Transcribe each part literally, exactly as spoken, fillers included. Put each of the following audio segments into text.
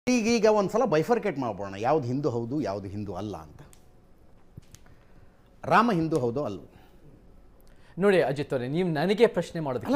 ಈಗ ಈಗ ಒಂದ್ಸಲ ಬೈಫರ್ಕೇಟ್ ಮಾಡ್ಬೋಣ, ಯಾವ್ದು ಹಿಂದೂ ಹೌದು ಯಾವುದು ಹಿಂದೂ ಅಲ್ಲ ಅಂತ. ರಾಮ ಹಿಂದೂ ಹೌದು ಅಲ್ವ? ನೋಡಿ ಅಜಿತ್ ಅವರೇ, ನೀವು ನನಗೆ ಪ್ರಶ್ನೆ ಮಾಡೋದಕ್ಕೆ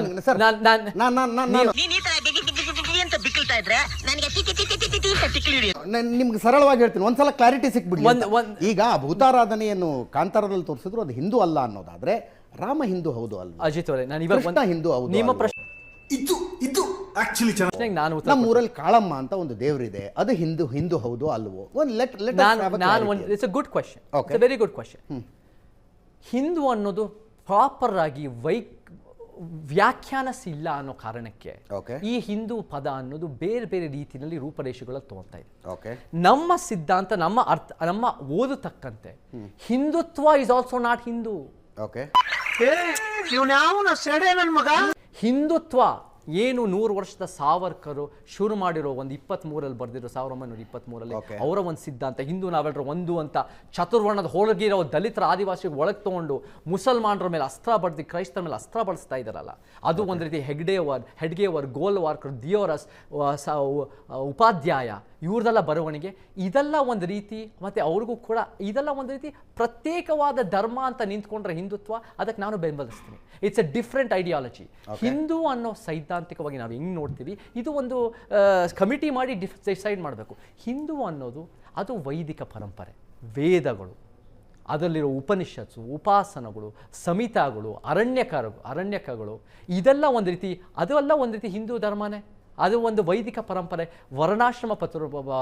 ನಿಮ್ಗೆ ಸರಳವಾಗಿ ಹೇಳ್ತೀನಿ, ಒಂದ್ಸಲ ಕ್ಲಾರಿಟಿ ಸಿಕ್ಬಿಡ್ಲಿ. ಈಗ ಭೂತಾರಾಧನೆಯನ್ನು ಕಾಂತಾರದಲ್ಲಿ ತೋರಿಸಿದ್ರು ಅದು ಹಿಂದೂ ಅಲ್ಲ ಅನ್ನೋದಾದ್ರೆ ರಾಮ ಹಿಂದೂ ಹೌದು ಅಲ್ವ? ಅಜಿತ್ ಅವರೇ, ನಾನು ಇವಾಗ ಹಿಂದೂ ಹೌದು ನಿಮ್ಮ ಪ್ರಶ್ನೆ ಇದು ಇದು ಆಕ್ಚುಲಿ ನಾನು ನಮ್ಮ ಊರಲ್ಲಿ ಕಾಳಮ್ಮ ಅಂತ ಒಂದು ದೇವರಿದೆ, ಅದು ಹಿಂದೂ ಹಿಂದೂ ಹೌದು ಅಲ್ವೋ? ಒಂದು ಲೆಟ್ ಲೆಟ್ ನಾನು ಒಂದು it's a good question, it's a very good question. Hindu ಅನ್ನೋದು ಪ್ರಾಪರ್ ಆಗಿ ವೈ ವ್ಯಾಖ್ಯಾನಿಸಿಲ್ಲ ಅನ್ನೋ ಕಾರಣಕ್ಕೆ ಈ ಹಿಂದೂ ಪದ ಅನ್ನೋದು ಬೇರೆ ಬೇರೆ ರೀತಿಯಲ್ಲಿ ರೂಪರೇಷೆಗಳಲ್ಲಿ ತಗೊಳ್ತಾ ಇದೆ. ನಮ್ಮ ಸಿದ್ಧಾಂತ, ನಮ್ಮ ಅರ್ಥ, ನಮ್ಮ ಓದತಕ್ಕಂತೆ Hindutva is also not Hindu. Hindutva ಏನು ನೂರು ವರ್ಷದ ಸಾವರ್ಕರು ಶುರು ಮಾಡಿರೋ ಒಂದು ಇಪ್ಪತ್ತ್ ಮೂರಲ್ಲಿ ಬರೆದಿರೋ ಸಾವಿರದ ಒಂಬೈನೂರ ಇಪ್ಪತ್ತ್ ಮೂರಲ್ಲಿ ಅವರ ಒಂದು ಸಿದ್ಧಾಂತ, ಹಿಂದೂ ನಾವೆಲ್ಲರೂ ಒಂದು ಅಂತ ಚತುರ್ವರ್ಣದ ಹೋಳಗಿರೋ ದಲಿತರ ಆದಿವಾಸಿ ಒಳಗೆ ತಗೊಂಡು ಮುಸಲ್ಮಾನರ ಮೇಲೆ ಅಸ್ತ್ರ ಬಡ್ದು ಕ್ರೈಸ್ತರ ಮೇಲೆ ಅಸ್ತ್ರ ಬಳಸ್ತಾ ಇದ್ದಾರಲ್ಲ, ಅದು ಒಂದು ರೀತಿ ಹೆಗ್ಡೇವರ್ ಹೆಡ್ಗೇವರ್ ಗೋಲ್ವಾರ್ಕರ್ ದಿಯೋರಸ್ ಉಪಾಧ್ಯಾಯ ಇವ್ರದೆಲ್ಲ ಬರವಣಿಗೆ, ಇದೆಲ್ಲ ಒಂದು ರೀತಿ. ಮತ್ತು ಅವ್ರಿಗೂ ಕೂಡ ಇದೆಲ್ಲ ಒಂದು ರೀತಿ ಪ್ರತ್ಯೇಕವಾದ ಧರ್ಮ ಅಂತ ನಿಂತ್ಕೊಂಡ್ರೆ ಹಿಂದುತ್ವ, ಅದಕ್ಕೆ ನಾನು ಬೆಂಬಲಿಸ್ತೀನಿ. It's a different ideology. Hindu ಅನ್ನೋ ಸೈದ್ಧಾಂತಿಕವಾಗಿ ನಾವು ಹೆಂಗೆ ನೋಡ್ತೀವಿ, ಇದು ಒಂದು ಕಮಿಟಿ ಮಾಡಿ ಡಿಫ್ ಡಿಸೈಡ್ ಮಾಡಬೇಕು. ಹಿಂದೂ ಅನ್ನೋದು ಅದು ವೈದಿಕ ಪರಂಪರೆ, ವೇದಗಳು, ಅದರಲ್ಲಿರೋ ಉಪನಿಷತ್ಸು, ಉಪಾಸನಗಳು, ಸಮಿತಾಗಳು, ಅರಣ್ಯಕರು ಅರಣ್ಯಕಗಳು ಇದೆಲ್ಲ ಒಂದು ರೀತಿ, ಅದೆಲ್ಲ ಒಂದು ರೀತಿ ಹಿಂದೂ ಧರ್ಮನೇ. ಅದು ಒಂದು ವೈದಿಕ ಪರಂಪರೆ. ವರ್ಣಾಶ್ರಮ ಪತ್ರ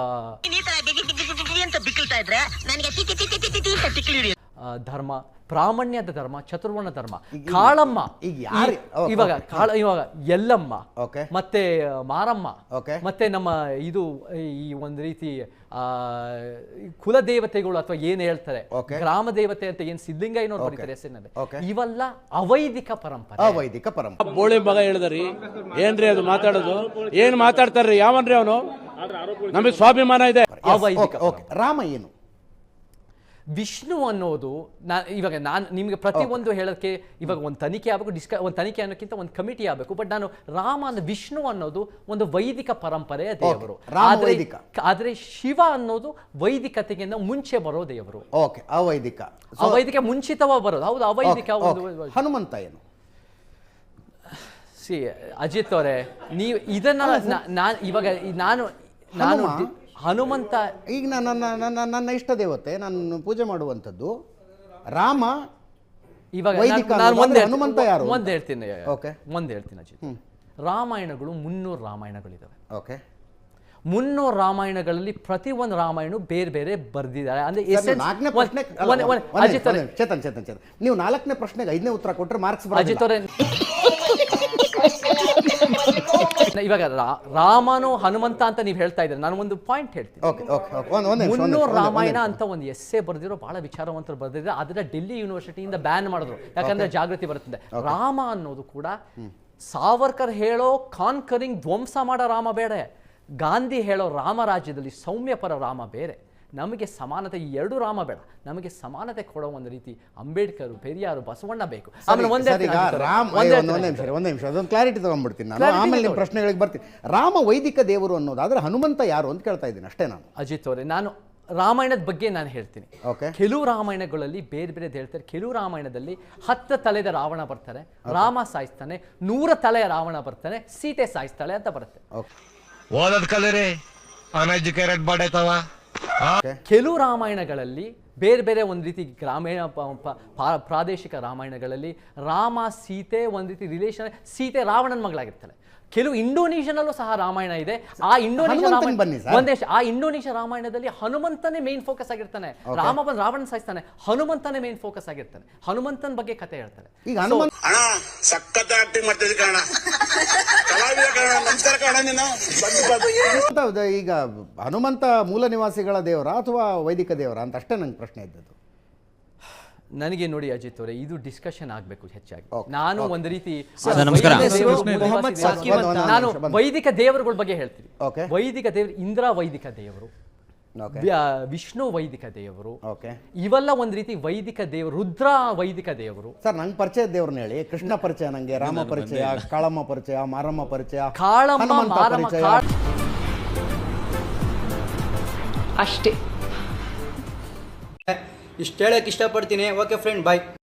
ಧರ್ಮ, ಪ್ರಾಮಾಣ್ಯದ ಧರ್ಮ, ಚತುರ್ವರ್ಣ ಧರ್ಮ. ಕಾಳಮ್ಮ ಇವಾಗ ಕಾಳ ಇವಾಗ ಎಲ್ಲಮ್ಮ ಮತ್ತೆ ಮಾರಮ್ಮ ಮತ್ತೆ ನಮ್ಮ ಇದು ಈ ಒಂದು ರೀತಿ ಕುಲದೇವತೆಗಳು ಅಥವಾ ಏನ್ ಹೇಳ್ತಾರೆ ಗ್ರಾಮ ದೇವತೆ ಅಂತ ಏನ್ ಸಿದ್ಧಲಿಂಗಯ್ಯನವ್ರು ಬರೀತಾರೆ ಹೆಸರಿನಲ್ಲಿ, ಇವೆಲ್ಲ ಅವೈದಿಕ ಪರಂಪರೆ. ಅವೈದಿಕ ಪರಂಪರೆ. ಬೋಳಿ ಮಗ ಹೇಳಿದ್ರಿ ಏನ್ರಿ ಅದು ಮಾತಾಡೋದು? ಏನ್ ಮಾತಾಡ್ತಾರ್ರಿ? ಯಾವನ್ರಿ ಅವನು? ನಮಗೆ ಸ್ವಾಭಿಮಾನ ಇದೆ. ಅವೈದಿಕ. ರಾಮ ಏನು? ವಿಷ್ಣು ಅನ್ನೋದು ನಾ ಇವಾಗ ನಾನು ನಿಮಗೆ ಪ್ರತಿಯೊಂದು ಹೇಳೋಕ್ಕೆ ಇವಾಗ ಒಂದು ತನಿಖೆ ಆಗಬೇಕು, ಡಿಸ್ಕ ಒಂದು ತನಿಖೆ ಅನ್ನೋಕ್ಕಿಂತ ಒಂದು ಕಮಿಟಿ ಆಗಬೇಕು. ಬಟ್ ನಾನು ರಾಮ ಅನ್ನೋ ವಿಷ್ಣು ಅನ್ನೋದು ಒಂದು ವೈದಿಕ ಪರಂಪರೆಯ ದೇವರು. ಆದರೆ ಶಿವ ಅನ್ನೋದು ವೈದಿಕತೆಗಿಂತ ಮುಂಚೆ ಬರೋ ದೇವರು. ಓಕೆ, ಅವೈದಿಕ. ಅವೈದಿಕ ಮುಂಚಿತವಾಗಿ ಬರೋದು. ಹೌದು, ಅವೈದಿಕ. ಹನುಮಂತ ಏನು? ಸಿ ಅಜಿತ್ ಅವರೇ, ನೀವು ಇದನ್ನ ನಾನು ಇವಾಗ ನಾನು ನಾನು ಹನುಮಂತ ಈಗ ನನ್ನ ನನ್ನ ಇಷ್ಟ ದೇವತೆ, ನಾನು ಪೂಜೆ ಮಾಡುವಂಥದ್ದು ರಾಮ. ಇವಾಗ ಹನುಮಂತ ಯಾರು? ಒಂದ್ ಹೇಳ್ತೀನಿ ಒಂದ್ ಹೇಳ್ತೀನಿ ಅಜಿತ್. ರಾಮಾಯಣಗಳು ಮುನ್ನೂರು ರಾಮಾಯಣಗಳಿದಾವೆ. ಓಕೆ, ಮುನ್ನೂರು ರಾಮಾಯಣಗಳಲ್ಲಿ ಪ್ರತಿ ಒಂದು ರಾಮಾಯಣ ಬೇರೆ ಬೇರೆ ಬರ್ದಿದ್ದಾರೆ. ಅಂದ್ರೆ ಚೇತನ್ ಚೇತನ್ ಚೇತನ್ ನೀವು ನಾಲ್ಕನೇ ಪ್ರಶ್ನೆಗೆ ಐದನೇ ಉತ್ತರ ಕೊಟ್ಟರೆ ಮಾರ್ಕ್ಸ್. ಅಜಿತ್ ಅವರೇ, ಇವಾಗ ರಾಮನು ಹನುಮಂತ ಅಂತ ನೀವು ಹೇಳ್ತಾ ಇದ್ದಾರೆ, ನಾನು ಒಂದು ಪಾಯಿಂಟ್ ಹೇಳ್ತೀನಿ. ಮುನ್ನೂರು ರಾಮಾಯಣ ಅಂತ ಒಂದು ಎಸ್ಸೆ ಬರೆದಿರೋ ಬಹಳ ವಿಚಾರವಂತರು ಬರೆದಿದ್ರೆ ಅದನ್ನ ಡೆಲ್ಲಿ ಯೂನಿವರ್ಸಿಟಿಯಿಂದ ಬ್ಯಾನ್ ಮಾಡಿದ್ರು, ಯಾಕಂದ್ರೆ ಜಾಗೃತಿ ಬರುತ್ತದೆ. ರಾಮ ಅನ್ನೋದು ಕೂಡ ಸಾವರ್ಕರ್ ಹೇಳೋ ಕಾನ್ಕರಿಂಗ್ ಧ್ವಂಸ ಮಾಡೋ ರಾಮ ಬೇಡ, ಗಾಂಧಿ ಹೇಳೋ ರಾಮರಾಜ್ಯದಲ್ಲಿ ಸೌಮ್ಯಪರ ರಾಮ ಬೇರೆ. ನಮಗೆ ಸಮಾನತೆ, ಈ ಎರಡು ರಾಮ ಬೇಡ, ನಮಗೆ ಸಮಾನತೆ ಕೊಡೋ ಒಂದು ರೀತಿ ಅಂಬೇಡ್ಕರ್, ಪೆರಿಯಾರು, ಬಸವಣ್ಣ ಬೇಕು. ಆಮೇಲೆ ಒಂದೇ ನಿಮಿಷ ಅದೊಂದು ಕ್ಲಾರಿಟಿ ತಗೊಂಡ್ಬಿಡ್ತೀನಿ ನಾನು, ಆಮೇಲೆ ನಿಮ್ಮ ಪ್ರಶ್ನೆಗಳಿಗೆ ಬರ್ತೀನಿ. ರಾಮ ವೈದಿಕ ದೇವರು ಅನ್ನೋದಾದ್ರೆ ಹನುಮಂತ ಯಾರು ಅಂತ ಕೇಳ್ತಾ ಇದ್ದೀನಿ ಅಷ್ಟೇ ನಾನು. ಅಜಿತ್ ಅವರೇ, ನಾನು ರಾಮಾಯಣದ ಬಗ್ಗೆ ನಾನು ಹೇಳ್ತೀನಿ. ಕೆಲವು ರಾಮಾಯಣಗಳಲ್ಲಿ ಬೇರೆ ಬೇರೆ ಹೇಳ್ತಾರೆ. ಕೆಲವು ರಾಮಾಯಣದಲ್ಲಿ ಹತ್ತು ತಲೆದ ರಾವಣ ಬರ್ತಾರೆ, ರಾಮ ಸಾಯಿಸ್ತಾನೆ. ನೂರ ತಲೆಯ ರಾವಣ ಬರ್ತಾನೆ, ಸೀತೆ ಸಾಯಿಸ್ತಾಳೆ ಅಂತ ಬರುತ್ತೆ. ಓದದ್ ಕಲರಿ ಅನ್ಎಜುಕೇಟೆಡ್ ಬಾಡೈತವ. ಕೆಲವು ರಾಮಾಯಣಗಳಲ್ಲಿ ಬೇರೆ ಬೇರೆ ಒಂದು ರೀತಿ ಗ್ರಾಮೀಣ ಪ್ರಾದೇಶಿಕ ರಾಮಾಯಣಗಳಲ್ಲಿ ರಾಮ ಸೀತೆ ಒಂದು ರೀತಿ ರಿಲೇಷನ್, ಸೀತೆ ರಾವಣನ ಮಗಳಾಗಿರ್ತಾಳೆ. ಕೆಲವು ಇಂಡೋನೇಷಿಯನಲ್ಲೂ ಸಹ ರಾಮಾಯಣ ಇದೆ. ಆ ಇಂಡೋನೇಷಿಯಾ ರಾಮಾಯಣ ಒಂದೇ ಆ ಇಂಡೋನೇಷಿಯಾ ರಾಮಾಯಣದಲ್ಲಿ ಹನುಮಂತನೇ ಮೇನ್ ಫೋಕಸ್ ಆಗಿರ್ತಾನೆ. ರಾಮ ಬಂದು ರಾವಣ ಸಾಯಿಸ್ತಾನೆ, ಹನುಮಂತನೇ ಮೇನ್ ಫೋಕಸ್ ಆಗಿರ್ತಾನೆ. ಹನುಮಂತನ ಬಗ್ಗೆ ಕತೆ ಹೇಳ್ತಾರೆ. ಈಗ ಹನುಮಂತ ಈಗ ಹನುಮಂತ ಮೂಲ ನಿವಾಸಿಗಳ ದೇವರ ಅಥವಾ ವೈದಿಕ ದೇವರ ಅಂತ ಅಷ್ಟೇ ನಂಗೆ ಪ್ರಶ್ನೆ ಇದ್ದದ್ದು. ನನಗೆ ನೋಡಿ ಅಜಿತ್ ಅವರೇ, ಇದು ಡಿಸ್ಕಷನ್ ಆಗಬೇಕು ಹೆಚ್ಚಾಗಿ. ನಾನು ಒಂದು ರೀತಿ ನಾನು ವೈದಿಕ ದೇವರುಗಳ ಬಗ್ಗೆ ಹೇಳ್ತೀನಿ. ವೈದಿಕ ದೇವರು ಇಂದ್ರ ವೈದಿಕ ದೇವರು, ವಿಷ್ಣು ವೈದಿಕ ದೇವರು, ಇವೆಲ್ಲ ಒಂದು ರೀತಿ ವೈದಿಕ ದೇವರು. ರುದ್ರ ವೈದಿಕ ದೇವರು. ಸರ್, ನಂಗೆ ಪರಿಚಯ ದೇವ್ರನ್ನ ಹೇಳಿ. ಕೃಷ್ಣ ಪರಿಚಯ, ನಂಗೆ ರಾಮ ಪರಿಚಯ, ಕಾಳಮ್ಮ ಪರಿಚಯ, ಮಾರಮ್ಮ ಪರಿಚಯ, ಕಾಳಮ್ಮ ಮಾರಮ್ಮ. ಅಷ್ಟೇ. ಇಷ್ಟು ಹೇಳಕ್ಕೆ ಇಷ್ಟಪಡ್ತೀನಿ. ಓಕೆ ಫ್ರೆಂಡ್, ಬಾಯ್.